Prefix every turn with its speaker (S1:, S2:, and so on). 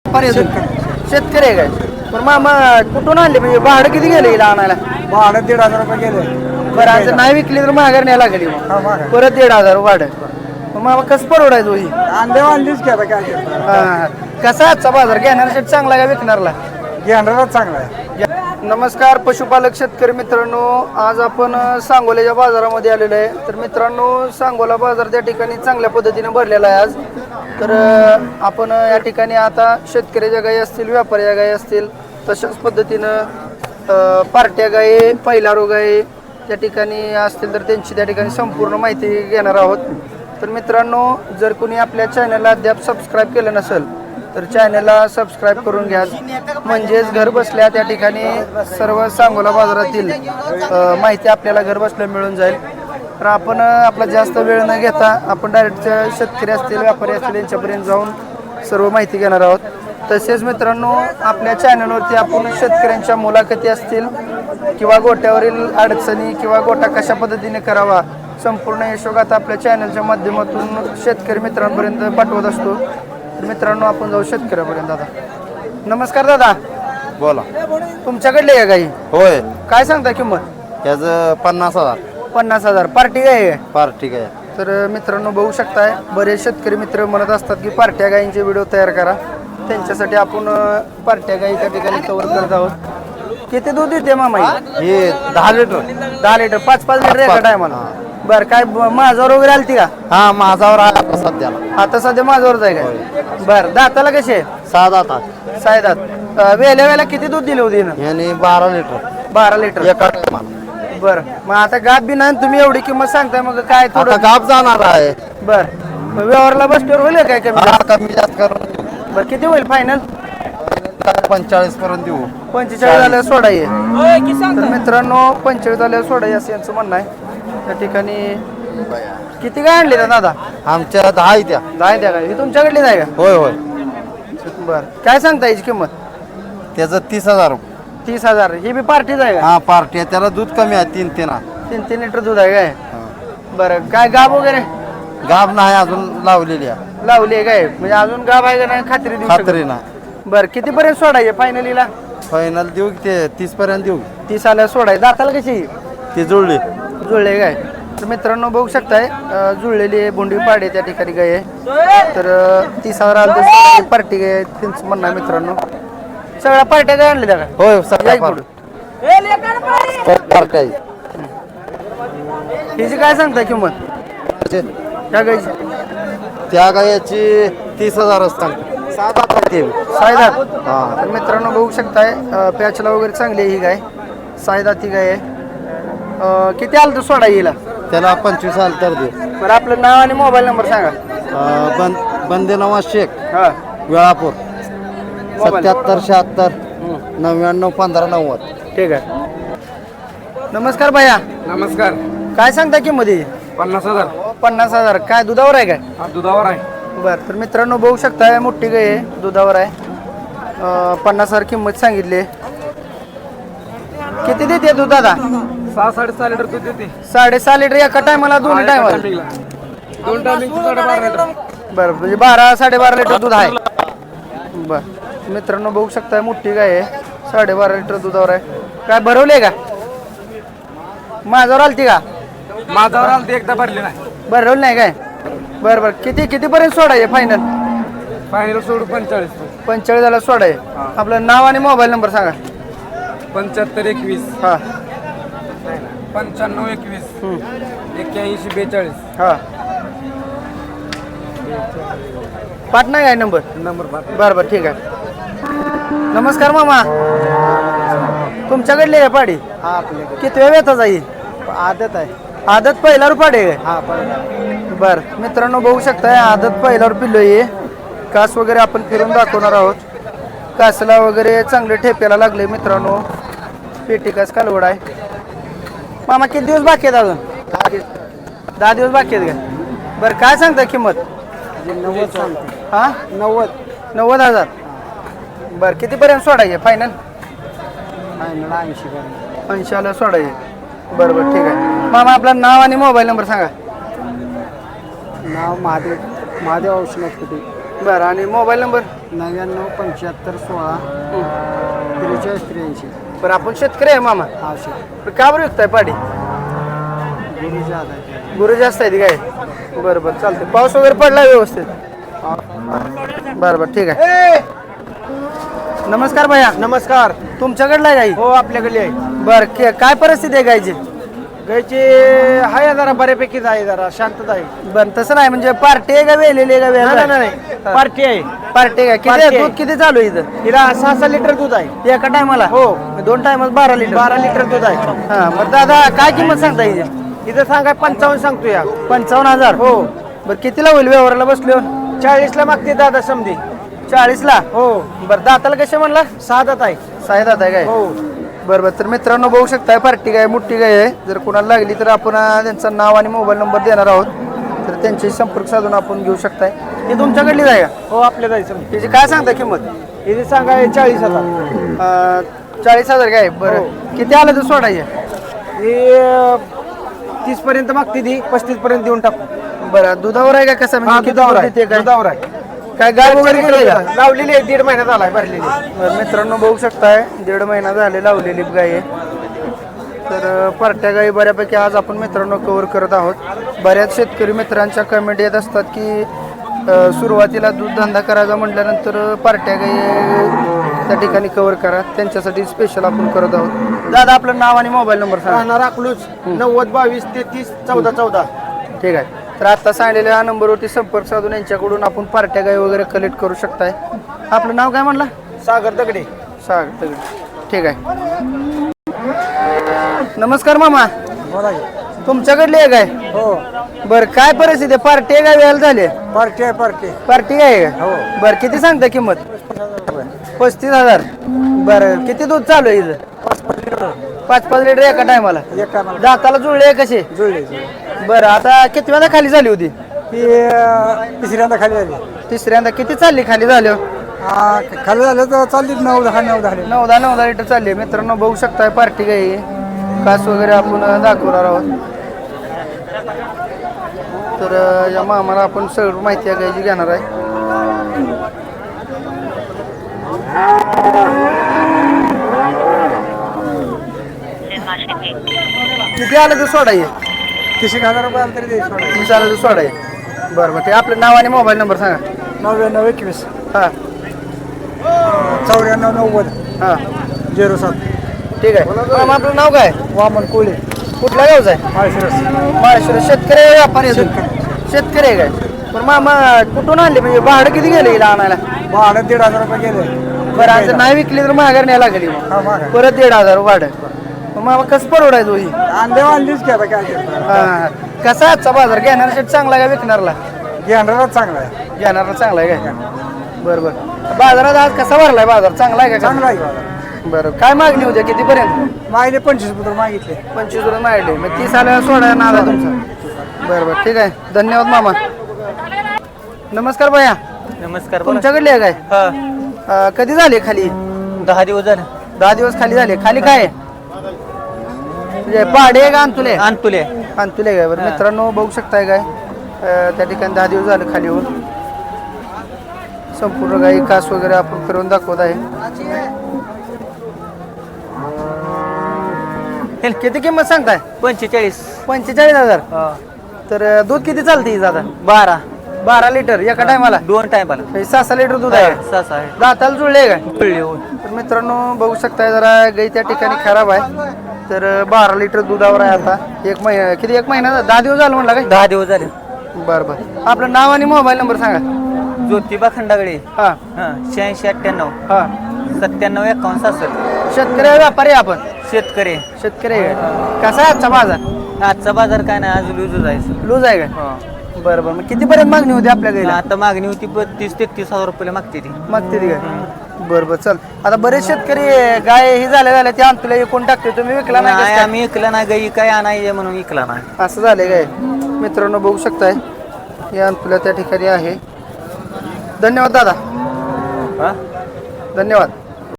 S1: शेतकरी आहे काय? पण मामा कुठून आणले म्हणजे भाडं किती गेले हिला आणायला?
S2: भाडं 1,500 रुपये गेले.
S1: बरं आज नाही विकली तर माघार न्यायला लागली परत 1,500 भाडं. मग मामा कसं परवडायचं ही?
S2: अंडे आणलीच की आता काय
S1: कसा आजचा बाजार घेणाऱ्यासाठी चांगला का विकणारला?
S2: घेणारच चांगला आहे.
S1: नमस्कार पशुपालक शेतकरी मित्रांनो, आज आपण सांगोल्याच्या बाजारामध्ये आलेलो आहे. तर मित्रांनो, सांगोला बाजार त्या ठिकाणी चांगल्या पद्धतीने भरलेला आहे आज. तर आपण या ठिकाणी आता शेतकऱ्याच्या गायी असतील, व्यापाऱ्याच्या गायी असतील, तशाच पद्धतीनं पार्ट्या गायी, पहिलारू गायी त्या ठिकाणी असतील तर त्यांची त्या ठिकाणी संपूर्ण माहिती घेणार आहोत. तर मित्रांनो, जर कोणी आपल्या चॅनलला अद्याप सबस्क्राईब केलं नसेल तर चॅनलला सबस्क्राईब करून घ्या, म्हणजेच घर बसल्या त्या ठिकाणी सर्व सांगोला बाजारातील माहिती आपल्याला घर बसल्या मिळून जाईल. तर आपण आपला जास्त वेळ न घेता आपण डायरेक्ट शेतकरी असतील, व्यापारी असतील यांच्यापर्यंत जाऊन सर्व माहिती घेणार आहोत. तसेच मित्रांनो, आपल्या चॅनलवरती आपण शेतकऱ्यांच्या मुलाखती असतील किंवा गोट्यावरील अडचणी किंवा गोटा कशा पद्धतीने करावा संपूर्ण यशोगाथा आपल्या चॅनलच्या माध्यमातून शेतकरी मित्रांपर्यंत पाठवत असतो. मित्रांनो, आपण जाऊ शेतकऱ्यापर्यंत. दादा नमस्कार. दादा
S3: बोला.
S1: तुमच्याकडले आहे गाई?
S3: होय.
S1: काय सांगता किंमत?
S3: त्याचं 50,000.
S1: 50,000 पार्टी गाय आहे?
S3: पार्टी काय?
S1: तर मित्रांनो, बघू शकताय बरेच शेतकरी मित्र म्हणत असतात की पार्ट्या गायींचे व्हिडिओ तयार करा. त्यांच्यासाठी आपण पार्ट्या गायी त्या ठिकाणी कव्हर करत आहोत. किती दूध देते मामा?
S3: हे 10 लिटर.
S1: 10 लिटर, 5-5 लिटर एका टायमाला. बरं, काय माझ्यावर वगैरे आलती का?
S3: हा, माझावर आहे आता सध्याला.
S1: आता सध्या माझ्यावरच आहे काय? बरं, दाताला कसे?
S3: 6 दातात.
S1: 6 दात. वेळेला किती दूध दिले होते?
S3: याने 12 लिटर.
S1: 12 लिटर
S3: एका टायमाला.
S1: बरं, मग आता गाप बी नाही, तुम्ही एवढी किंमत सांगताय, मग काय
S3: आता
S1: थोडं
S3: गाप जाणार आहे.
S1: बरं, व्यवहारला बसल्यावर होईल काय कमी?
S3: हा, कमी जास्त करून
S1: बरं, किती होईल फायनल?
S3: 45 पर्यंत देऊ.
S1: 45 झाल्यावर सोडा ये. तर मित्रांनो, 45 झाल्यावर सोडा ये असं यांचं म्हणणं आहे. त्या ठिकाणी किती काय आणले दादा?
S3: आमच्या 10 आहे त्या.
S1: 10 द्या काय? ही तुमच्याकडली आहे का?
S3: होय होय.
S1: बरं, काय सांगता याची किंमत?
S3: त्याचं 30,000 रुपये.
S1: 30,000. ही बी पार्टीच आहे का?
S3: हा, पार्टी आहे. त्याला दूध कमी आहे. 3
S1: 3 लिटर दूध आहे काय? बरं, काय गाब वगैरे?
S3: गाब नाही अजून लावलेली आहे.
S1: लावली आहे काय? म्हणजे अजून गाब आहे का नाही खात्री देऊ शकत?
S3: खात्री नाही.
S1: बरं, कितीपर्यंत सोडायचे फायनलीला?
S3: फायनल देऊ की ते 30 पर्यंत देऊ.
S1: 30 आल्यावर सोडायचं. दाताला कशी?
S3: ती जुळली.
S1: जुळले काय? तर मित्रांनो, बघू शकताय जुळलेली बोंडी पाडे त्या ठिकाणी गाय आहे. तर 30,000 आलं पार्टी गाय त्यांचं म्हणणं आहे. मित्रांनो, सगळ्या पार्ट्या काय आणल्या त्या?
S3: होय, सगळ्या पार्ट्या.
S1: हिची काय सांगताय किंमत त्या गायची?
S3: त्या गायाची 30,000 असतात. 7
S1: सायदात. हा, तर मित्रांनो, बघू शकताय पॅचला वगैरे चांगली आहे ही गाय. सायदात ही गाय आहे. किती आलं तर सोडा येईल?
S3: त्याला 25 आलं तर दे.
S1: बरं, आपलं नाव आणि मोबाईल नंबर सांगा.
S3: बंदे नवाज शेख,
S1: हां,
S3: वेळापूर. 77 76 99 15 90.
S1: ठीक आहे. नमस्कार भैया.
S2: नमस्कार.
S1: काय सांगता किंमत?
S2: 50,000.
S1: 50,000. काय दुधावर आहे काय?
S2: हा, दुधावर आहे.
S1: बरं, तर मित्रांनो, बघू शकताय मोठी गाय आहे, दुधावर आहे. 50,000 किंमत सांगितली. किती देते दूध दादा?
S2: 6-6.5 लिटर दूध देते.
S1: 6.5 लिटर एका टायमाला? दोन्ही टायमाला?
S2: 2 टायमिंग 12.5 लिटर.
S1: बरं, म्हणजे 12-12.5 लिटर दूध आहे. बरं, मित्रांनो, बघू शकताय मोठी गाय आहे, 12.5 लिटर दुधावर आहे. काय भरवले का? माझ्यावर आलती का?
S2: माझावर आलं ते एकदा भरले नाही.
S1: भरवलं नाही काय? बरं बरं, कितीपर्यंत सोडाय फायनल?
S2: फायनल सोडू 45.
S1: 45 झाला सोडाय. आपलं नाव आणि मोबाईल नंबर सांगा.
S2: 75 21
S1: हां
S2: 95 21 81 42.
S1: हां, पाटणा काय नंबर?
S2: नंबर 5.
S1: बरं बरं, ठीक आहे. नमस्कार मामा. तुमच्याकडली आहे पाडी?
S2: हा, आपले
S1: किती वेळ येता जाईल?
S2: आदत आहे.
S1: आदत पहिल्यावर पाडे?
S2: हा,
S1: बरं, मित्रांनो, बघू शकताय आदत पहिल्यावर पिल्लो आहे. कास वगैरे आपण फिरून दाखवणार आहोत. कासला वगैरे चांगले ठेप्याला लागले मित्रांनो. पेटी कास कालवड आहे. मामा, किती दिवस बाकी आहेत अजून? 10 दिवस बाकी आहेत का? बरं, काय सांगता किंमत?
S2: 90 सांगते.
S1: हां, 90,000. बरं, कितीपर्यंत सोडायचे फायनल?
S2: फायनल 80 पर्यंत.
S1: 80 सोडायचे. बरं बरं, ठीक आहे. मामा, आपलं नाव आणि मोबाईल नंबर सांगा.
S2: नाव महादेव औषणात कुठे.
S1: बरं, आणि मोबाईल नंबर?
S2: 99 75 16 43 83.
S1: बरं आपण शेतकरी आहे मामा.
S2: आवश्यक
S1: पण का बरं विकताय पाडी?
S2: गुरुजी आधार
S1: गुरु जास्त आहेत काय? बरं बरं चालतंय. पाऊस वगैरे पडला व्यवस्थित? बरं बरं ठीक आहे. नमस्कार भैया.
S2: नमस्कार.
S1: तुमच्याकडला आहे गाई?
S2: हो आपल्याकडे आहे.
S1: बरं काय परिस्थिती आहे गायची?
S2: गायची आहे जरा बऱ्यापैकीच आहे, जरा शांतता आहे.
S1: बरं तसं नाही म्हणजे पार्टी आहे का वेलेली आहे का वेळ?
S2: नाही पार्टी आहे.
S1: पार्टी आहे. किती
S2: पार्टी आहे.
S1: दूध किती चालू आहे इथं?
S2: हिला 6-6 लिटर दूध आहे.
S1: एका टायमाला?
S2: हो.
S1: 2 टायमात 12 लिटर?
S2: 12 लिटर दूध आहे.
S1: हा मग दादा काय किंमत सांगता इथे?
S2: इथं सांगाय 55 सांगतो या.
S1: 55,000?
S2: हो.
S1: बरं कितीला होईल व्यवहाराला बसलो?
S2: 40 मागते दादा समधी.
S1: 40ला?
S2: हो.
S1: बरं दाताला कसे म्हणला?
S2: 6 दात आहे.
S1: 6 दात आहे काय?
S2: हो.
S1: बरं बरं तर मित्रांनो बघू शकताय पार्टी गाय मोठी गाय आहे. जर कोणाला लागली तर आपण त्यांचं नाव आणि मोबाईल नंबर देणार आहोत, तर त्यांच्याशी संपर्क साधून आपण घेऊ शकताय. हे तुमच्याकडली जाय का?
S2: हो आपल्या जायचं.
S1: त्याची काय सांगता किंमत?
S2: इथे सांगाय 40,000.
S1: 40,000 काय? बरं किती आलं तर सोडायचे?
S2: हे 30 पर्यंत मागते ती, 35 पर्यंत देऊन टाकू.
S1: बरं दुधावर आहे का कसं?
S2: हा,
S1: म्हणजे किती
S2: दुधावर
S1: दूध
S2: आहे.
S1: देते काय?
S2: दुधावर आहे.
S1: काय गाय वगैरे गेली का?
S2: लावलेली आहे, 1.5 महिन्यात आलाय भरलेली.
S1: बरं, मित्रांनो बघू शकताय 1.5 महिना झाले लावलेली गाय आहे. तर पार्ट्या गाई बऱ्यापैकी आज आपण मित्रांनो कव्हर करत आहोत. बऱ्याच शेतकरी मित्रांच्या कमेंट येत असतात की सुरुवातीला दूध धंदा करायचा म्हटल्यानंतर पार्ट्या गाई त्या ठिकाणी कव्हर करा, त्यांच्यासाठी स्पेशल आपण करत आहोत. दादा आपलं नाव आणि मोबाईल नंबर सांगा.
S2: राहणार अकलूज 90 22 33 14 14.
S1: ठीक आहे. तर आता सांगलेल्या या नंबरवरती संपर्क साधून यांच्याकडून आपण पार्ट्या गाई वगैरे कलेक्ट करू शकताय. आपलं नाव काय म्हणलं?
S2: सागर दगडे.
S1: सागर दगडे. ठीक आहे. नमस्कार मामा.
S2: बोला.
S1: तुमच्याकडली आहे काय?
S2: हो.
S1: बरं काय परिस्थिती आहे? पार्टी आहे का वेळेला झाली?
S2: पार्टी आहे पार्टी.
S1: पार्टी आहे का?
S2: हो.
S1: बरं किती सांगता किंमत? 35,000. बरं किती दूध चालू आहे इथं? 5-5 लिटर एका टायमाला?
S2: एका
S1: दाताला जुळले कसे?
S2: जुळले.
S1: बरं आता किती वेळा खाली झाली होती?
S2: ही तिसऱ्यांदा खाली झाली.
S1: तिसऱ्यांदा किती चालली खाली झाली?
S2: खाली झालं तर चालली 9-10
S1: 9-10 लिटर चालली. मित्रांनो बघू शकताय पार्टी गाई कास वगैरे आपण दाखवणार आहोत. तर या मामाला आपण सगळं माहिती आहे गायची घेणार आहे. किती आलं तर सोडाय?
S2: 30,000 रुपये आलं तरी द्यायचं.
S1: 30 आलं तर सोडाय. बरं बरं ते आपलं नाव आणि मोबाईल नंबर सांगा.
S2: 99 21
S1: हां
S2: 94 90
S1: हां
S2: 07.
S1: ठीक आहे. मामा आपलं नाव काय?
S2: वामन कोळी.
S1: कुठल्या गावचं आहे? माळशिरस. शेतकरी आहे व्यापारी आहे? शेतकरी आहे काय? पण मामा कुठून आणले म्हणजे भाडं किती गेलं हिला आणायला?
S2: भाडं 1,500 रुपये गेले.
S1: बरं आज नाही विकली तर माघार न्यायला लागली मग.
S2: हा मागा
S1: परत 1,500 भाडं. मग मामा कसं परवडायचं ही?
S2: आणलीच घ्या काय
S1: हां कसा आहे आजचा बाजार? घेणाऱ्यासाठी चांगला आहे का विकणारला?
S2: घेणारच चांगला आहे.
S1: घेणारा चांगला आहे काय? बरं बरं. बाजारात आज कसा भरलाय बाजार? चांगला आहे का?
S2: चांगला आहे.
S1: बरं काय मागणी होत्या कितीपर्यंत?
S2: मागले 25 पुत्र मागितले.
S1: 25 रुपये मागले. मग 30 आल्यावर सोडायला नाला तुमचा. बरं बरं ठीक आहे. धन्यवाद मामा. नमस्कार भैया.
S2: नमस्कार.
S1: तुमच्याकडली आहे काय? कधी झाले खाली?
S2: 10 दिवस झाले.
S1: 10 दिवस खाली झाले. खाली काय आहे? म्हणजे पाडे आहे का अंतुले?
S2: आणतुले.
S1: अंतुले काय? बरं मित्रांनो बघू शकताय काय त्या ठिकाणी 10 दिवस झाले खाली होऊन. संपूर्ण गाई कास वगैरे आपण करून दाखवत आहे. किती किंमत सांगताय? 45,000. तर दूध किती चालते दादा? 12 लिटर एका टायमाला?
S2: 2 टायमाला.
S1: 6 लिटर दूध आहे. दाताला जुळले काय? तर मित्रांनो बघू शकताय जरा गाई त्या ठिकाणी खराब आहे. तर 12 लिटर दुधावर आहे आता. एक महिना किती? 1 महिना 10 दिवस झालं म्हणला काय?
S2: 10 दिवस झाले.
S1: बरं बरं. आपलं नाव आणि मोबाईल नंबर सांगा.
S2: ज्योतिबा खंडागडे.
S1: हां
S2: 86 98
S1: हां
S2: 97 51 67.
S1: शेतकरी आहे व्यापारी आहे आपण?
S2: शेतकरी.
S1: शेतकरी आहे. कसा आहे आजचा बाजार?
S2: आजचा बाजार काय नाही, आज लूज जायचं.
S1: लूज आहे काय? बरं बरं. मग कितीपर्यंत मागणी होती आपल्या गाईला?
S2: आता मागणी होती 32-33 रुपये मागते ती.
S1: मागते ती काय? बरं बरं चल. आता बरेच शेतकरी गाय ही झाल्या ते अंतुला विकून टाकते. तुम्ही विकला नाही कसं काय?
S2: आम्ही इकला नाही, गाई काय आणायचे म्हणून इकला नाही.
S1: असं झालंय काय? मित्रांनो बघू शकताय या अंतुला त्या ठिकाणी आहे. धन्यवाद दादा. धन्यवाद.